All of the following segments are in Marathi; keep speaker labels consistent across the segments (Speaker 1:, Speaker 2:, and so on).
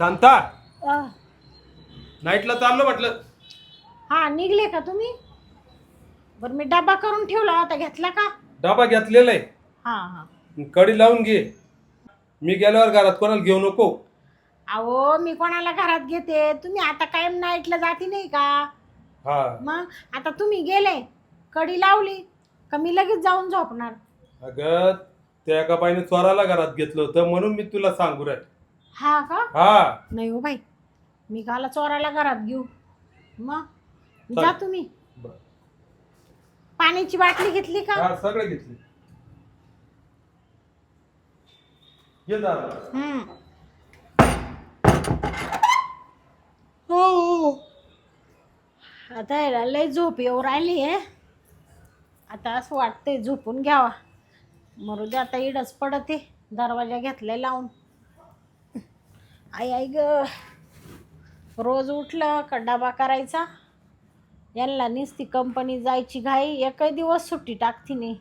Speaker 1: शांता
Speaker 2: अ,
Speaker 1: नाईटला चाललो म्हटलं.
Speaker 2: हा निघले का तुम्ही? बरं मी डबा करून ठेवला होता, घेतला का?
Speaker 1: डबा घेतलेला आहे.
Speaker 2: हा हा.
Speaker 1: कडी लावून घे. मी गेल्यावर घरात कोणाला घेऊ नको.
Speaker 2: अहो मी कोणाला घरात घेते? तुम्ही आता कायम नाईटला जाती नाही का?
Speaker 1: हा
Speaker 2: मग आता तुम्ही गेले, कडी लावली का मी लगेच जाऊन झोपणार.
Speaker 1: अगं त्या एका बाईने चोराला घरात घेतलं होतं म्हणून मी तुला सांगू राहील.
Speaker 2: हा का?
Speaker 1: हा
Speaker 2: नाही हो बाई, मी काला चोराला घरात घेऊ. मग
Speaker 1: चल.
Speaker 2: जा तुम्ही.
Speaker 1: बरं.
Speaker 2: पाण्याची बाटली घेतली का?
Speaker 1: हा सगळे घेतले. ये दादा.
Speaker 2: हो. आता याला लय झोप येऊ राहिली आहे. आता असं वाटतंय झोपून घ्यावा. मरू दे आता, इडच पडते. दरवाजा घेतलाय लावून. आई आई ग, रोज उठलं का डबा करायचा. यांना नुसती कंपनी जायची घाई, एकही दिवस सुट्टी टाकती नाही.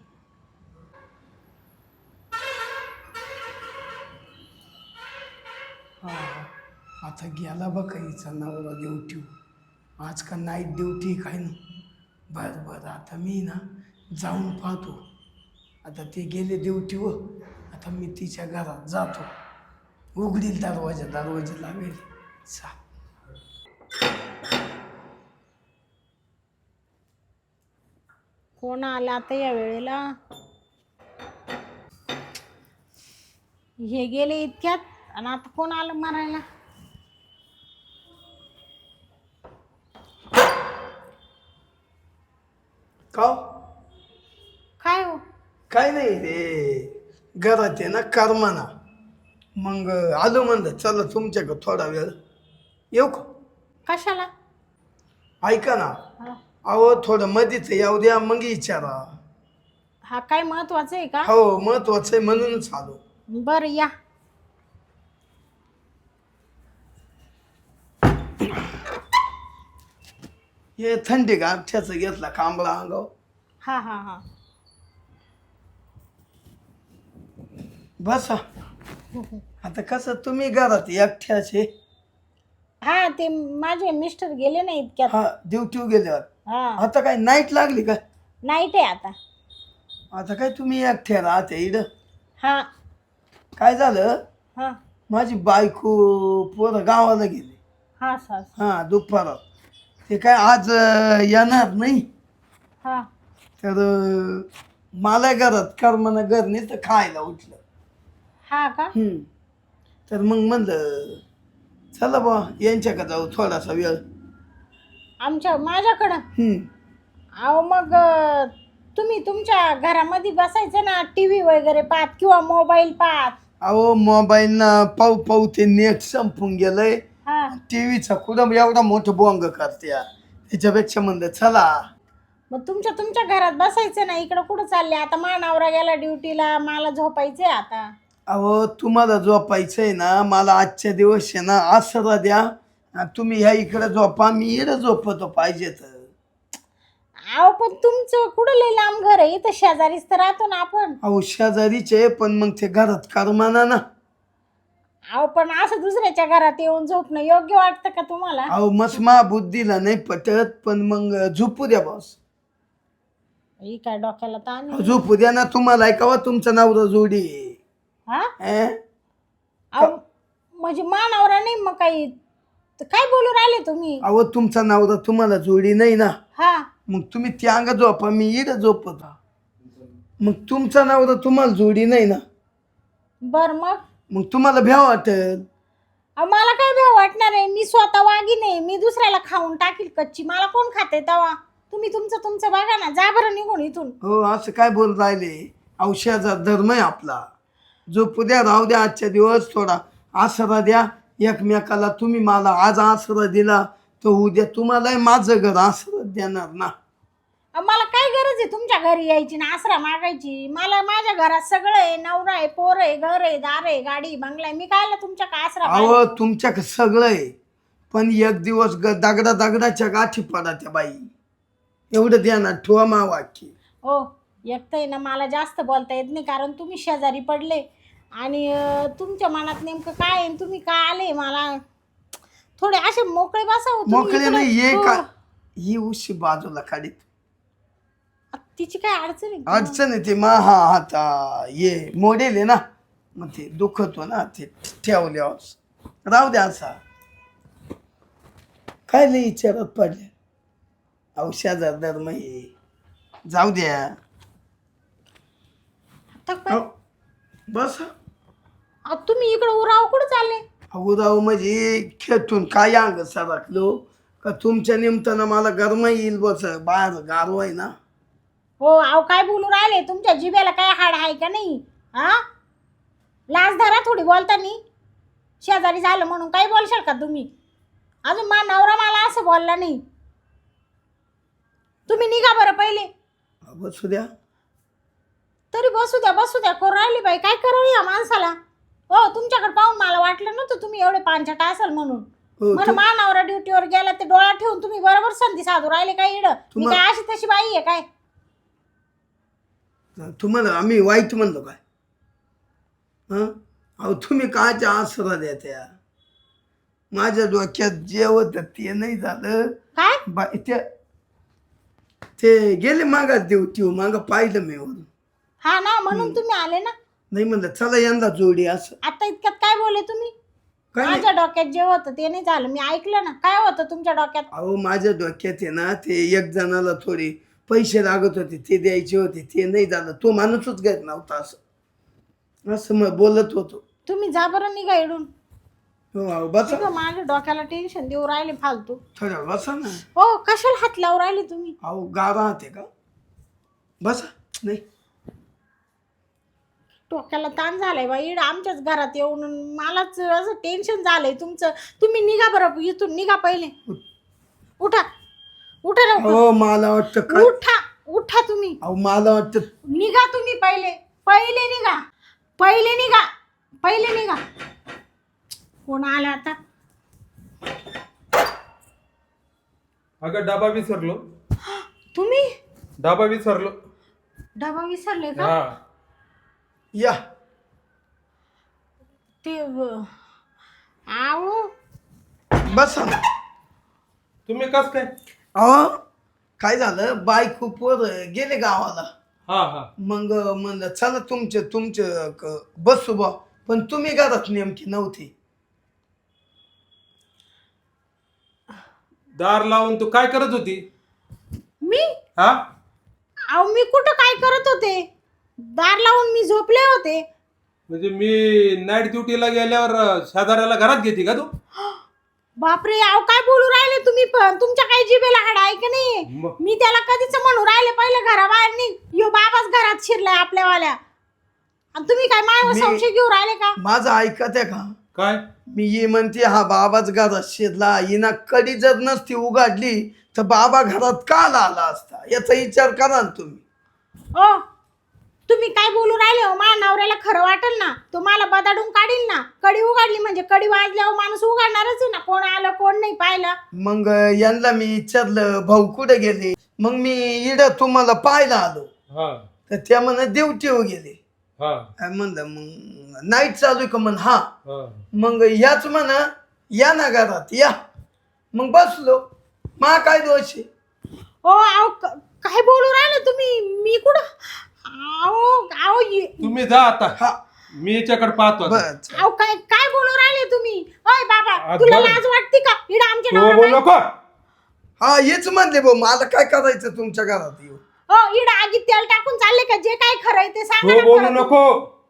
Speaker 3: हा आता गेला बघ हिचा नवरा ड्युटी. आज का नाईट ड्युटी काय ना. बरं बरं आता मी ना जाऊन पाहतो. आता ते गेले ड्युटीवर. आता मी तिच्या घरात जातो. उघडील दरवाजा लावेल. चा
Speaker 2: कोण आला आता या वेळेला? हे गेले इतक्यात आणि आता कोण आलं मारायला?
Speaker 3: का
Speaker 2: काय हो?
Speaker 3: काय नाही रे, घरात आहे ना कर्माना. मग आलो म्हणलं चला तुमच्याकडं थोडा वेळ येऊ का?
Speaker 2: कशाला?
Speaker 3: ऐका ना,
Speaker 2: हा.
Speaker 3: अहो थोडं मधीच येऊ द्या मग विचारा.
Speaker 2: हा काय महत्वाचं आहे का?
Speaker 3: हो महत्वाचं आहे म्हणूनच आलो.
Speaker 2: बरं या.
Speaker 3: हे थंडी गाठ्याचं घेतला कांबळा अंगाव.
Speaker 2: हा हा हा.
Speaker 3: बसा. आता कसं तुम्ही घरात एकट्याचे.
Speaker 2: हा ते माझे मिस्टर गेले ना इतक्यात.
Speaker 3: हा ड्युटीवर गेल्यावर.
Speaker 2: हा
Speaker 3: आता काय नाईट लागली का?
Speaker 2: नाईट आहे आता.
Speaker 3: आता काय तुम्ही एकट्या राहते इकडं.
Speaker 2: हा
Speaker 3: काय झालं,
Speaker 2: हा
Speaker 3: माझी बायको पोरं गावाला गेली.
Speaker 2: हा सास.
Speaker 3: हा दुपारात. ते काय आज येणार नाही.
Speaker 2: हा
Speaker 3: तर मला घरात कर्मना घर नाही तर खायला उठलं.
Speaker 2: हा का?
Speaker 3: तर मग म्हणलं चला बा यांच्याकडे जाऊ थोडासा वेळ.
Speaker 2: माझ्याकडं? अहो मग तुम्ही तुमच्या घरामध्ये बसायचं ना, टीव्ही वगैरे पाहत किंवा मोबाईल पाहत.
Speaker 3: अहो मोबाईल ना पाहू पाहू ते नेट संपून गेलंय.
Speaker 2: हा
Speaker 3: टीव्हीचा कुठं एवढा मोठं बोंग करते त्याच्यापेक्षा म्हणलं चला.
Speaker 2: मग तुमच्या घरात बसायचं ना. इकडं कुठं चालले आता? मानावरा गेला ड्युटीला, मला झोपायचंय आता.
Speaker 3: अहो तुम्हाला झोपायचंय ना, मला आजच्या दिवस आहे ना आसरा द्या. तुम्ही ह्या इकडे झोपा, मी इकडे झोपतो पाहिजे तर.
Speaker 2: अहो पण तुमचं कुठं लय लांब घर आहे? इथं शेजारीच तर राहतो ना आपण.
Speaker 3: अहो शेजारीचे पण मग ते घरात करमाना ना.
Speaker 2: अहो पण असं दुसऱ्याच्या घरात येऊन झोपणं योग्य वाटतं का तुम्हाला?
Speaker 3: अहो मस्त मा बुद्धीला नाही पटत, पण मग झोपू द्या बॉस.
Speaker 2: ही काय डोक्याला ताण?
Speaker 3: झोपू द्या ना. तुम्हाला ऐकावा तुमचा नवरा जोडी.
Speaker 2: हा
Speaker 3: अं?
Speaker 2: अहो म्हणजे मानावरा नाही मग काही तर काय बोलू राहिले तुम्ही?
Speaker 3: अहो तुमचा नवरा तुम्हाला जोडी नाही ना.
Speaker 2: हा
Speaker 3: मग तुम्ही त्या अंग झोपा, मी इकडे झोपत. मग तुमचा नवरा तुम्हाला जोडी नाही ना.
Speaker 2: बर मग
Speaker 3: तुम्हाला भ्या वाटेल.
Speaker 2: अहो मला काय भेव वाटणार आहे? मी स्वतः वागी नाही, मी दुसऱ्याला खाऊन टाकील कच्ची. मला कोण खाते तवा? तुम्ही तुमचं बघा ना. जा बरं निघून इथून.
Speaker 3: हो असं काय बोल राहिले? औषधाचा धर्म आहे आपला. झोपू द्या, राहू द्या आजच्या दिवस. थोडा आसरा द्या एकमेकाला. तुम्ही मला आज आसरा दिला तर उद्या तुम्हालाही माझं घर आसरा देणार ना.
Speaker 2: अहो, मला काय गरज आहे तुमच्या घरी यायची ना आसरा मागायची? मला माझ्या घरात सगळं आहे. नवरा आहे, पोर आहे, घर आहे, दार आहे, गाडी बंगला आहे. मी कायला तुमच्या का आसरा
Speaker 3: अहो
Speaker 2: मागायची?
Speaker 3: तुमच्याकडे सगळं आहे, पण एक दिवस दगडाच्या गाठी पडा त्या बाई. एवढं ध्यानात ठेवा मा वाक्य.
Speaker 2: हो एक तर आहे ना, मला जास्त बोलता येत नाही कारण तुम्ही शेजारी पडले आणि तुमच्या मनात नेमकं काय आहे, तुम्ही काय आले मला थोडे असे मोकळे बसा हो तुम्ही
Speaker 3: मोकळे
Speaker 2: इकडे.
Speaker 3: नाही ये
Speaker 2: हो.
Speaker 3: का ही उशी बाजूला काढीत
Speaker 2: तिची काय अडचण आहे का?
Speaker 3: अडचण आहे ते मा हा आता ये मोडेल आहे ना मग ते दुखतो ना ते ठेवल्यावर राहू द्या असा काय लई विचारात पडले औषधात धर्म हे जाऊ द्या
Speaker 2: आता काय?
Speaker 3: अहो, बस
Speaker 2: तुम्ही इकडे उराव कुठे चालले?
Speaker 3: उदाव म्हणजे खेळतून काय अंग सरकलो का तुमच्या निमतानं मला गरम येईल बस बाहेर गारवा आहे ना
Speaker 2: हो अहो काय बोलू राहिले? तुमच्या जिभेला काय हाड आहे का नाही? हा लाज धरा थोडी बोलतानी. शेजारी झालं म्हणून काही बोलशाल का तुम्ही? अजून मा नवरा मला असं बोलला नाही. तुम्ही निघा बरं पहिले.
Speaker 3: बसू द्या
Speaker 2: तरी बसू द्या करू राहिली बाई. काय करावं या माणसाला? हो तुमच्याकडे पाहून मला वाटलं नव्हतं तुम्ही एवढे पांचट असाल म्हणून.
Speaker 3: हो,
Speaker 2: मला मा नवरा ड्युटीवर गेला ते डोळा ठेवून तुम्ही बरोबर संधी साधू राहिले काय इड? मी काय अशी तशी बाई आहे काय?
Speaker 3: तुम्हाला आम्ही वाईट म्हणलो काय हं अहो तुम्ही कायच्या आसरा द्या त्या माझ्या डोक्यात जे होतं ते नाही झालं
Speaker 2: काय?
Speaker 3: बाई ते गेले मागात देऊ ती माग पाहिलं मी वरून
Speaker 2: हा ना म्हणून तुम्ही आले ना.
Speaker 3: नाही म्हणलं चला यंदा जोडी असं
Speaker 2: आता इतक्यात काय बोलले तुम्ही?
Speaker 3: काय नाही.
Speaker 2: माझ्या डोक्यात जे होतं ते नाही झालं. मी ऐकलं ना. काय होतं तुमच्या डोक्यात?
Speaker 3: अहो माझ्या डोक्यात आहे ना ते एक जणाला थोडे पैसे लागत होते ते द्यायचे होते ते नाही झालं तो माणूसच घेत नव्हता असं असं मग बोलत होतो
Speaker 2: तुम्ही जा बरं निघा इडून.
Speaker 3: हो अहो बसा
Speaker 2: सगळं माझ्या डोक्याला टेन्शन देऊ राहिले फालतू.
Speaker 3: थोड्या बसा ना
Speaker 2: हो कशाला हात लावून राहिले तुम्ही?
Speaker 3: अहो गारा आहे का बसा नाही
Speaker 2: डोक्याला ताण झालाय बाई. इड आमच्याच घरात येऊन मलाच असं टेन्शन झालंय तुमचं. तुम्ही निघा बरं इथून. निघा पहिले. उठा उठा लवकर.
Speaker 3: हो मला वाटतं काय
Speaker 2: उठा तुम्ही.
Speaker 3: अहो मला वाटतं
Speaker 2: निघा तुम्ही पहिले. पहिले निघा. कोण आला आता?
Speaker 1: अगं डबा विसरलो.
Speaker 2: तुम्ही
Speaker 1: डबा विसरलो.
Speaker 2: डबा विसरले का?
Speaker 1: हा
Speaker 3: या
Speaker 2: ते आओ
Speaker 3: बसा ना
Speaker 1: तुम्ही कस काय?
Speaker 3: अहो काय झालं बायको पोर गेले गावाला
Speaker 1: हा हा
Speaker 3: मग म्हणलं चला तुमचं बसू बा पण तुम्ही घरात नेमकी नव्हती
Speaker 1: दार लावून तू काय करत होती?
Speaker 2: मी
Speaker 1: हा
Speaker 2: अहो मी कुठं काय करत होते? दार लावून मी झोपले होते.
Speaker 1: म्हणजे मी नाईट ड्युटीला गेल्यावर शेजाऱ्याला घरात घेते का तू?
Speaker 2: बापरे अहो काय बोलू राहिले तुम्ही? पण तुमच्या काही जिभेला हाड आहे का नाही?
Speaker 1: मग?
Speaker 2: मी त्याला कधीच म्हणू राहिले पहिले घराबाहेर निघ. यो बाबाच घरात शिरलाय आपल्यावाल्या आणि तुम्ही काय मायावर संशय घेऊ राहिले का?
Speaker 3: माझं ऐकत आहे का
Speaker 1: काय?
Speaker 3: मी ये म्हणते हा बाबाच घरात शिरला हिना कडी जर नसती उघडली तर बाबा घरात का आला असता याचा विचार करा ना तुम्ही.
Speaker 2: ओ तुम्ही काय बोलू राहिले हो? माझ्या नवऱ्याला खरं वाटेल ना तो मला बदाडून काढील ना. कडी उघडली म्हणजे कडी वाजल्यावर माणूस उघडणारच आहे ना. कोण आलं कोण नाही पाहिलं.
Speaker 3: मग यांना मी विचारलं भाऊ कुठे गेले मग मी इड तुम्हाला पाहायला आलो
Speaker 1: हा
Speaker 3: तर त्या म्हणत ड्युटीवर गेले.
Speaker 1: हा
Speaker 3: म्हणलं मग नाईट चालू आहे का म्हण हा
Speaker 1: हा
Speaker 3: मग याच म्हणा या ना घरात या मग बसलो मा काय दोष आहे.
Speaker 2: ओ अहो काय बोलू राहिले तुम्ही? मी कुठं
Speaker 1: तुम्ही जा आता.
Speaker 3: हा
Speaker 1: मी याच्याकडे पाहतो आता.
Speaker 3: बस
Speaker 2: अहो काय काय बोलू राहिले तुम्ही? ओय बाबा
Speaker 1: आज
Speaker 2: तुला
Speaker 1: बरं.
Speaker 2: लाज वाटते का? इड आमच्या
Speaker 1: तू बोलू
Speaker 2: नवरा
Speaker 1: नको.
Speaker 3: हा हेच म्हणले भाऊ मला काय करायचं तुमच्या घरात येऊ.
Speaker 2: हो इड आगीत तेल टाकून चालले का? जे काय खरंय ते सांगा
Speaker 1: तू
Speaker 2: ना
Speaker 1: बोलू
Speaker 2: खरं.
Speaker 1: नको.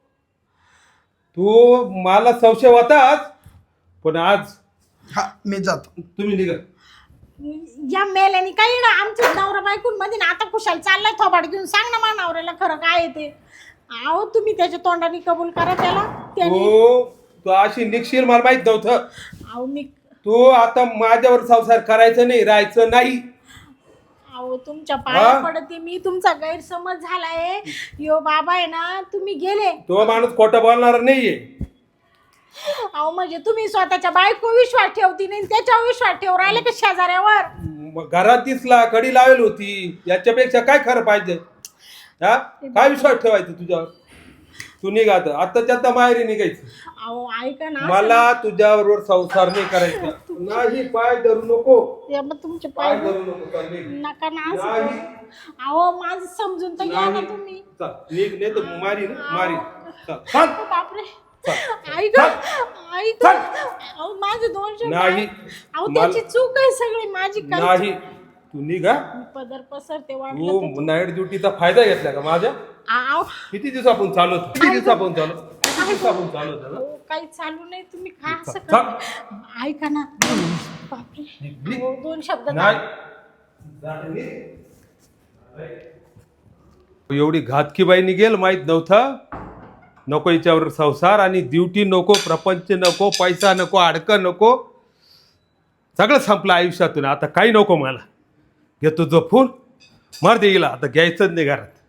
Speaker 1: तू मला संशय होताच पण आज
Speaker 3: हा मी जातो.
Speaker 1: तुम्ही निघा.
Speaker 2: या मेल्याने काय इड आमच्या नवरा बायकून मध्ये ना आता कुशाल चाललाय थोबाड घेऊन. सांग ना मा नवऱ्याला खरं काय आहे ते. अहो तुम्ही त्याच्या तोंडाने कबूल करा त्याला. त्याने
Speaker 1: तू अशी निघशील मला माहित नव्हतं.
Speaker 2: अहो मी
Speaker 1: तू आता माझ्यावर संसार करायचं नाही राहायचं नाही.
Speaker 2: अहो तुमच्या पाया पडते मी. तुमचा गैरसमज झालाय. यो बाबा आहे ना तुम्ही गेले.
Speaker 1: तो माणूस खोटं बोलणार नाहीये.
Speaker 2: अहो म्हणजे तुम्ही स्वतःच्या बायको विश्वास ठेवती नाही त्याच्यावर विश्वास ठेव राहिले का शेजाऱ्यावर?
Speaker 1: मग घरात दिसला कडी लावेल होती याच्यापेक्षा काय खरं पाहिजे? हा काय विश्वास ठेवायचा तुझ्यावर? तू निघ आताच्या आता माहेरी निघायचं.
Speaker 2: अहो ऐका ना,
Speaker 1: मला तुझ्याबरोबर संसार नाही करायचा. नाही, पाय धरू नको,
Speaker 2: ते मग तुमचे
Speaker 1: पाय
Speaker 2: पाय
Speaker 1: धरू नको. चल निघ.
Speaker 2: नका ना असं
Speaker 1: नाही.
Speaker 2: करू. अहो माझं समजून तर घ्या ना
Speaker 1: नाही.
Speaker 2: तुम्ही.
Speaker 1: चल निघ, नाही तर मारी ना मारी. चल चल.
Speaker 2: बापरे,
Speaker 1: चल.
Speaker 2: ऐका ऐका.
Speaker 1: चल.
Speaker 2: अहो माझे 2 शब्द
Speaker 1: नाही.
Speaker 2: अहो त्याची चूक आहे सगळी माझी. काय
Speaker 1: नाही, तू निघा.
Speaker 2: पदर पसरते वाटलं तर.
Speaker 1: तू नाईट ड्युटीचा फायदा घेतला का माझ्या?
Speaker 2: अहो
Speaker 1: किती दिवसापासून चालवत किती दिवसापासून चालवत ना?
Speaker 2: अहो, काही चालू नाही, तुम्ही काय असं
Speaker 1: चल.
Speaker 2: करता? ऐका ना. बापरे, अहो, 2 शब्द
Speaker 1: नाही. एवढी घातकी बाई निघेल माहित नव्हतं. नको हिच्यावर संसार, आणि ड्युटी नको, प्रपंच नको, पैसा नको, अडकं नको, सगळं संपलं आयुष्यातून. आता काही नको मला. घेतो झोपून, मार दे हिला, आता घ्यायचंच नाही घरात.